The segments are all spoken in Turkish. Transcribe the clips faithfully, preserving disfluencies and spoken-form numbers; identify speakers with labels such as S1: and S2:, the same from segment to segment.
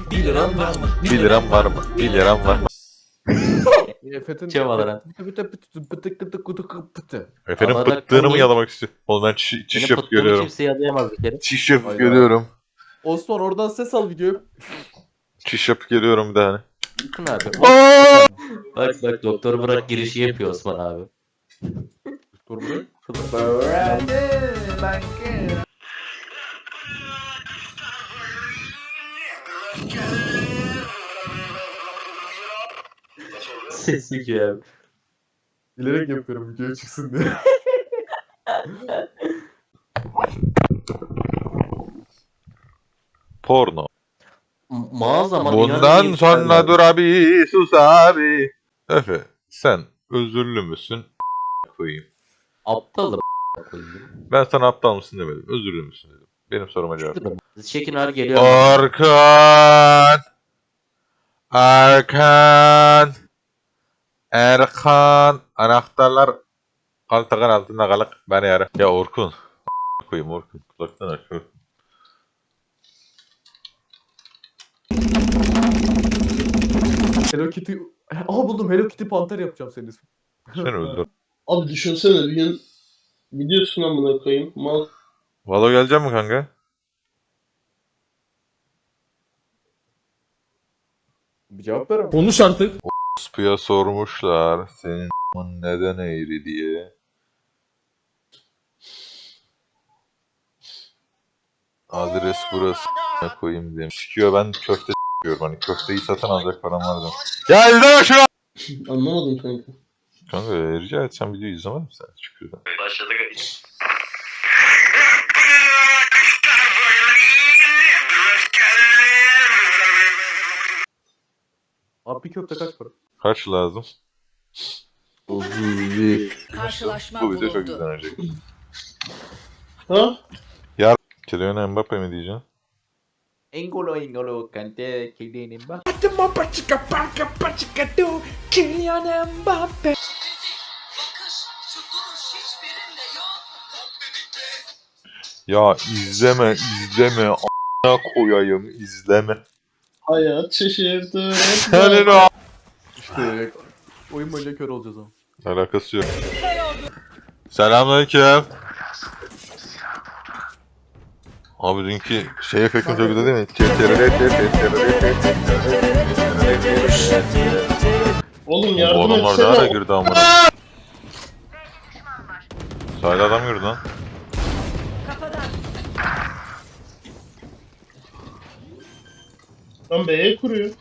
S1: bir liram var mı?
S2: bir liram var mı? bir liram var mı?
S1: Efe'nin
S3: Çevalaran.
S2: Efendim
S3: Ama
S2: pıttığını mı
S3: niye?
S2: yalamak istiyor? Oğlum ben çiş, çiş
S3: Benim
S2: yapıp
S3: pıttığımı
S2: görüyorum.
S3: kimse yalayamaz bir kere.
S2: Çiş yapıp
S1: Hayda.
S2: görüyorum.
S1: Osman oradan ses al videoyu.
S2: Çiş yapıp geliyorum bir tane.
S3: Bakın abi.
S2: Aa!
S3: Bak bak doktor bırak girişi yapıyor Osman abi.
S1: Dur buraya.
S3: Sesi ki abi.
S1: Bilerek yapıyorum videoya çıksın diye.
S2: Porno.
S3: M- Mağaza ama
S2: Bundan sonra dur abi, sus abi. Efe, sen özürlü müsün? Koyayım.
S3: Aptalım koyayım.
S2: Ben sana aptal mısın demedim. Özürlü müsün dedim. Benim soruma cevap ver.
S3: Şekin abi geliyor.
S2: Orkan. Erkan. Erkan. Anahtarlar kaltakın altında kalık. Beni ara. Ya Orkun. Koyayım Orkun. Kulaktan aç.
S1: Hello Kitty... Aa buldum, Hello Kitty Panter yapacağım senin ismin.
S2: Sen öldür.
S4: Abi düşünsene bir gün gidiyorsun amına koyayım. Mal
S2: Valo gelecek mi kanka?
S1: Bir cevap ver ama.
S5: Konuş artık.
S2: Spıya sormuşlar senin neden eğri diye. Adres burası ne koyayım diyeyim. Sikiyor, ben köfte sikiyorum. Hani köfteyi satın alacak param var da. Ya izleme şunu!
S4: anlamadım kanka.
S2: Kanka rica etsem videoyu izlemedin mi sen? Çıkıyor.
S3: Başladık.
S1: Abi bir köfte kaç para?
S2: Kaç lazım?
S6: Karşılaşma
S2: Bu video çok
S6: bulundu.
S2: izlenecek.
S4: Ha?
S2: Kylian Mbappe mi diyeceksin?
S1: Engolo engolo kante kedinin bak.
S2: Ya izleme izleme a**ına koyayım izleme.
S4: Hayat şaşırdı.
S2: Senin o
S1: İşte oyun boyunca kör olacağız ama.
S2: alakası yok. Selamünaleyküm. Abi dünkü şey efektim çok güzel değil mi?
S4: Oğlum
S2: Bu
S4: yardım
S2: adamlar daha da
S4: etsene.
S2: girdi amına. Sahilde adam girdi lan.
S4: Lan B'ye kuruyor.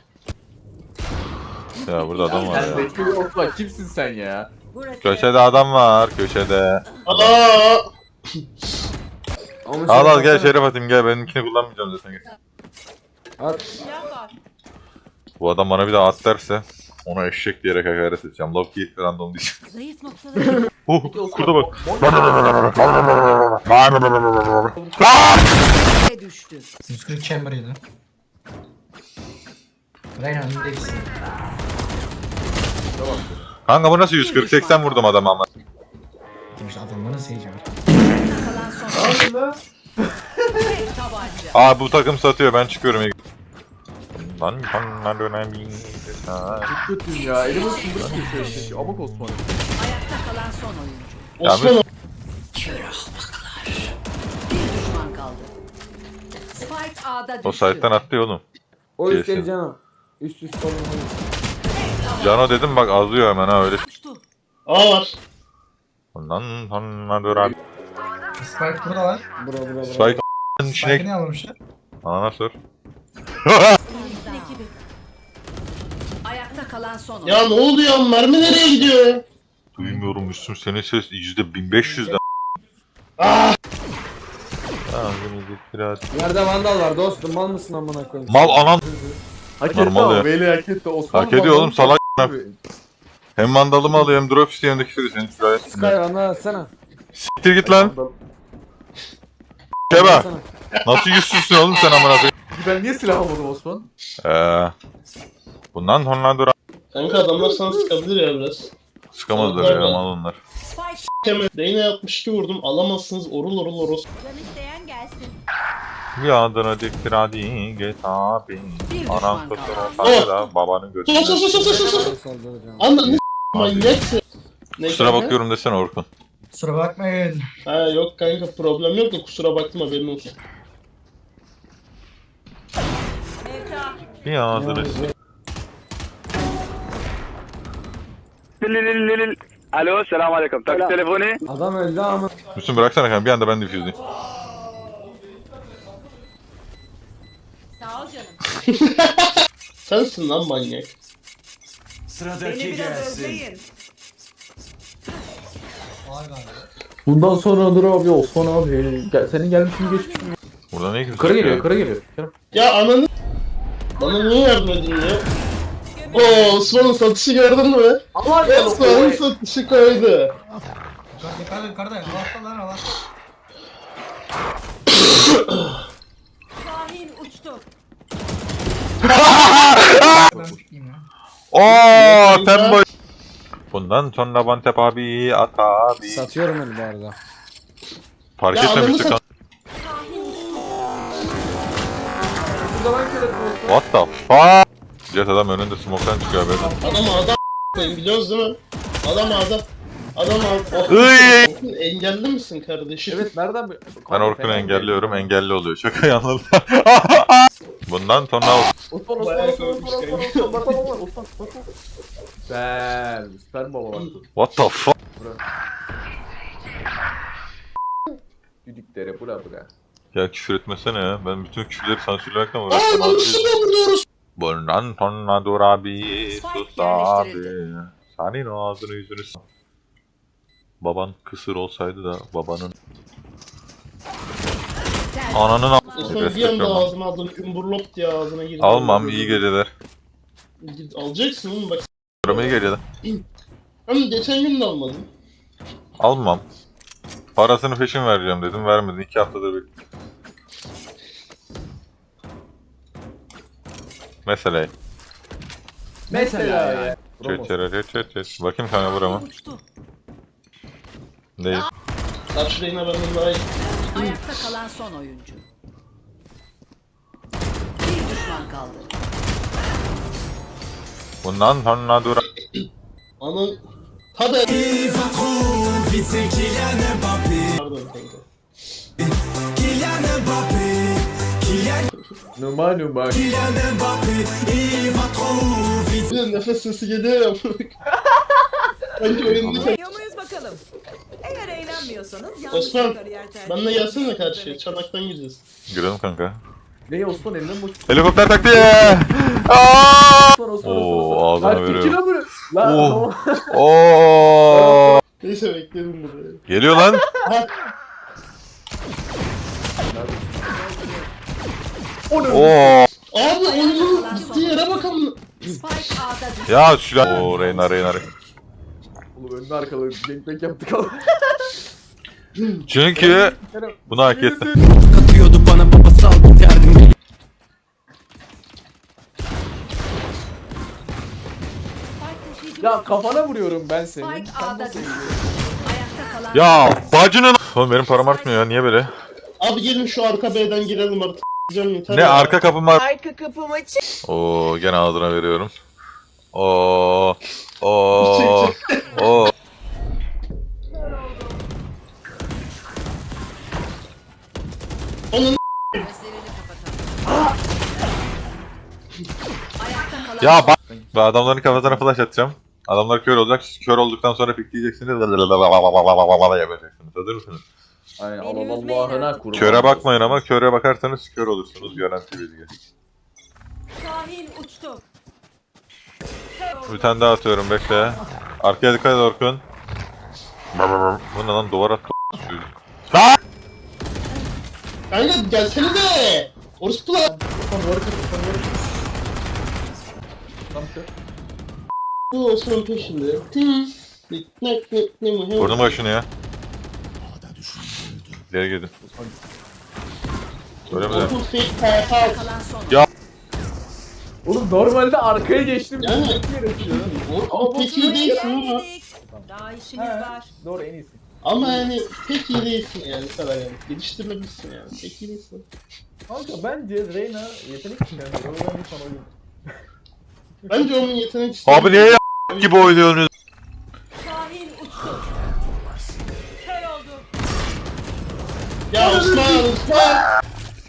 S2: Ya burada adam var
S1: Sen
S2: ya.
S1: bekliyor Osman, kimsin sen ya?
S6: Burası.
S2: Köşede adam var köşede.
S4: Aa!
S2: Al al gel Şerif atayım gel, benimkini kullanmayacağım zaten gel.
S6: Silah var.
S2: Bu adam bana bir daha at derse ona eşek diyerek hakaret edeceğim. Loki random diyeceğim.
S6: Zayıf noktaları.
S2: Oh kurda bak.
S6: Ve düştü.
S5: yüz kırk chamber'ıydı. Reyna önündeyiz.
S2: Kanka bu nasıl yüz kırk seksen vurdum adama ama.
S5: Demiş adamı nasıl yiyeceğim?
S6: Kalan son. Tek tabanca.
S2: Aa bu takım satıyor, ben çıkıyorum. Lan bana dönen bir
S1: Çok kötüyüm ya. Elime sındık geçiyor işte. Amok Osman.
S6: Ayakta kalan son oyuncu.
S2: Ya
S4: Osman
S6: Bir düşman kaldı. Spike A'da düştü.
S2: O site'den attı ya oğlum.
S7: O
S2: Kesin.
S7: üstte Cano. Üst üst olun.
S2: Cano dedim bak azıyor hemen ha öyle.
S6: Uçtu.
S4: A var.
S2: Lan lan dönen.
S5: Spike burada var.
S7: Bura bura bura.
S2: Spike
S5: Spike'ı
S2: içine
S5: ne almışlar?
S2: ana sor.
S6: Ekibi. Ayakta kalan son oyuncu.
S4: Ya ne oldu ya? Mermi nereye gidiyor ya?
S2: Duymuyorum Müslüm, senin ses yüzde bin beş yüzden.
S4: Ah!
S2: Biraz.
S7: Nerede vandal var dostum, mal mısın amına koyayım?
S2: Mal anan
S1: Hak etti
S2: Normal
S1: ama
S2: ya.
S1: Veli hak etti. Osman
S2: hak ediyor
S1: Vandal-
S2: oğlum, salak. Hem mandalımı alıyor hem drop istiyor hem de küfür ediyor. Senin gayet
S7: Sky
S2: sinir.
S7: ana atsana.
S2: Siktir git lan.
S1: Vandal-
S2: Keba.
S7: Atsana.
S2: Nasıl yüzsüzsün oğlum sen amına koyayım?
S1: Ben niye silah almadım Osman?
S2: Eee. Bundan sonra dur.
S4: Kanka adamlar sana sıkabilir ya biraz.
S2: Sıkamazlar ya mal onlar.
S6: Spike
S4: Kemal Reyna yapmış ki vurdum. Alamazsınız orul orul oros.
S6: can isteyen gelsin.
S2: Bir adına diktir hadi get abi.
S6: Bir
S2: Anam
S6: düşman
S2: kusur
S6: kaldı.
S2: olsaydı da babanın
S4: Sus
S2: götüne.
S4: sus sus sus sus sus.
S7: Saldıracağım.
S4: Anladın mı? Manyaksın. Ne
S2: Kusura
S4: kanka?
S2: bakıyorum desene Orkun.
S5: Kusura bakmayın.
S4: Ha yok kanka problem yok da kusura bakma haberin olsun.
S2: Bir adına
S8: Alo, selam aleyküm. Taksi telefonu.
S7: Adam öldü ama.
S2: Müslüm bıraksana kanka bir anda ben diffuse'layım.
S6: Sağ ol canım.
S4: Sensin lan manyak.
S9: Sıradaki gelsin.
S5: Var galiba.
S1: Bundan sonra dur abi Osman abi. Gel, senin gelmişin geçmiş.
S2: Burada ne kimse
S1: Yukarı
S2: yok
S1: geliyor
S2: ya.
S1: yukarı geliyor.
S4: Ya ananı... Bana niye yardım edin ya? Oo Osman'ın satışı gördün mü?
S1: Allah ya
S4: Osman'ın satışı koydu.
S5: Yukarıda yukarıda yukarıda. Havasta lan havasta.
S6: Şahin uçtu.
S5: Ben uçayım ya.
S2: Ooo tembo. Bundan sonra Bantep abi at abi.
S7: Satıyorum onu bu arada.
S2: Fark
S4: Ya
S2: etmemiştik
S4: adamı
S2: lan. What the fuck? Jet adam önünde smoke'tan çıkıyor haberin.
S4: Adam adam koyun biliyoruz değil mi? Adam adam. Adam adam.
S2: Iy!
S4: Orkun engelli misin kardeşim?
S1: Evet nereden?
S2: Ben Orkun'u engelliyorum engelli oluyor. Şaka anladım. Bundan sonra
S1: Osman Osman
S4: Bayağı
S1: Osman
S4: korkmuş
S1: Osman
S4: kanka.
S1: Osman Osman Osman Osman Osman. Süper. Süper baba bak.
S2: what the fuck?
S1: Düdükleri bula bula.
S2: Ya küfür etmesene ya. Ben bütün küfürleri sansürlemekten
S4: Aa
S2: uğraştım.
S4: lan üstüne vuruyoruz.
S2: Bundan sonra dur abi.
S6: Spike
S2: Sus abi.
S6: yerleştirildi.
S2: Senin ağzını yüzünü s- Baban kısır olsaydı da babanın ananın a-
S4: Osman bir anda ağzıma aldım. Umburlop diye ağzına girdi.
S2: Almam iyi geceler.
S4: Git- Alacaksın oğlum bak.
S2: Durum iyi geceler.
S4: Hem geçen gün de almadın.
S2: Almam. Parasını peşin vereceğim dedim vermedin. iki haftadır bekliyorum. Mesela.
S1: Mesela ya.
S2: Çet çet çet çet çet. Bakayım kanka burama.
S6: Uçtu.
S2: Değil.
S4: Karşı reyna benden daha iyi.
S6: Ayakta kalan son oyuncu. Bir düşman kaldı.
S2: Bundan sonra dur.
S4: Anan... Tabi. Pardon kanka.
S1: Numa numa.
S4: Bir de nefes sesi geliyor ya. Sanki oyunda
S9: Eğleniyor muyuz bakalım? Eğer eğlenmiyorsanız yanlış
S4: Osman,
S9: bir kariyer tercih
S4: benle gelsene
S9: ediyorsunuz
S4: karşıya.
S9: demek.
S4: Çanaktan gireceğiz.
S2: Girelim kanka.
S1: Ne Osman elinden boş.
S2: Helikopter taktiği. Aa!
S1: Osman Osman
S2: Oo,
S1: Osman.
S2: ağzına
S1: Lan
S2: veriyorum.
S1: kikine vuruyor. Lan
S2: Oh.
S1: tamam.
S2: Oo!
S4: Neyse bekledim buraya.
S2: Geliyor lan. Oo!
S4: Abi oyunun gittiği yere bakalım.
S6: Spike A'da düştü.
S2: Ya şu lan. Oo Reyna Reyna.
S1: Oğlum önüne arkalı gangbang yaptık ama.
S2: Çünkü bunu hak etti.
S9: Katıyordu bana babasal bir derdim.
S6: Spike taşıyıcı.
S1: Ya kafana vuruyorum ben seni.
S6: Spike
S1: Sen
S6: A'da
S1: nasıl
S6: düştü.
S1: vuruyorsun?
S6: Ayakta kalan
S2: Ya bacının. Oğlum benim param artmıyor ya niye böyle?
S4: Abi gelin şu arka B'den girelim artık. Canım yeter
S2: Ne
S4: ya.
S2: arka kapım var.
S9: Arka kapım açık.
S2: Oo gene ağzına veriyorum. Oo. Oo. Oo.
S4: Onun
S6: gözlerini kapatalım. Ayakta kalan
S2: Ya bak. Ben adamların kafasına flash atacağım. Adamlar kör olacak. Siz kör olduktan sonra pikleyeceksiniz. Yapacaksınız. Hazır mısınız?
S1: Aynen
S9: Beni
S1: Allah
S9: üzmeyin
S1: Allah'ına
S9: artık.
S1: kurban.
S2: Köre bakmayın ama köre bakarsanız kör olursunuz. Garanti bilgi.
S6: Şahin uçtu.
S2: Bir tane daha atıyorum bekle. Arkaya dikkat et Orkun. Bu ne lan duvar at.
S4: kanka gelsene de. Orospu lan.
S1: Osman duvarı kır Osman duvarı kır. Tam kır.
S4: Bu Osman peşinde. Tim. Ne ne ne ne ne
S2: Vurdum başını ya. İleri gidin. Öyle mi de?
S4: Orkun fake fire house.
S6: Kalan son
S2: Ya.
S1: Oğlum normalde arkaya geçtim.
S4: Yani.
S1: Çok gerekiyor.
S4: Orkun peki değilsin ama.
S9: Daha işimiz var.
S1: Doğru en iyisi.
S4: Ama yani pek iyi değilsin yani bu kadar yani. Geliştirmelisin yani. Pek iyi değilsin.
S1: Kanka bence Reyna yetenek çıkarıyor. O yüzden bir sana oyun.
S4: Bence onun yetenek
S2: Abi niye ya gibi oynuyorsunuz?
S9: Şahin uçtu. Kör oldu.
S4: Ya Osman Osman!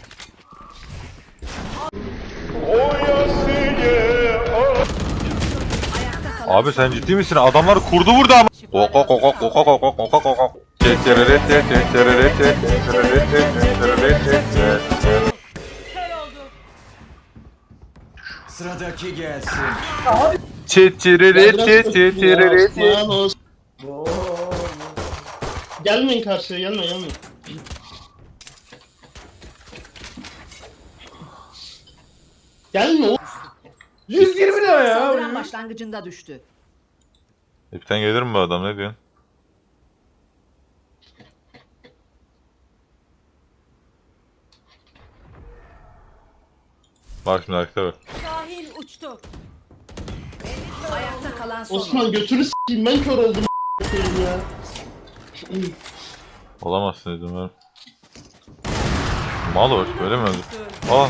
S2: Abi sen ciddi misin? Adamlar kurdu burada ama. Ok ok ok ok ok ok ok ok ok ok.
S9: Kör oldu.
S10: Sıradaki gelsin.
S4: Osman Osman. Gelmeyin karşıya gelme gelme. Gelme o.
S1: yüz yirmi ne ya?
S6: Saldıran başlangıcında düştü.
S2: İpten gelir mi bu adam, ne diyorsun? Bak şimdi arkada bak.
S9: Şahin uçtu.
S6: Ayakta kalan son.
S4: Osman götürü s**eyim ben kör oldum a**ayım ya.
S2: Olamazsın dedim ben. Mal var, öyle mi öldü? Aa.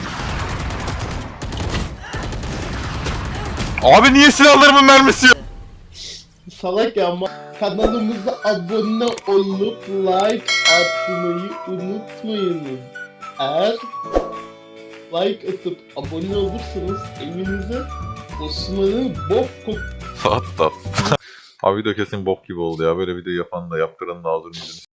S2: Abi niye silahlarımın mermisi yok?
S4: Salak ya ama kanalımıza abone olup like atmayı unutmayınız. Eğer like atıp abone olursanız evinize Osman'ın bok kok...
S2: Hatta. Abi video kesin bok gibi oldu ya. Böyle video yapan da yaptıranın da ağzını yüzünü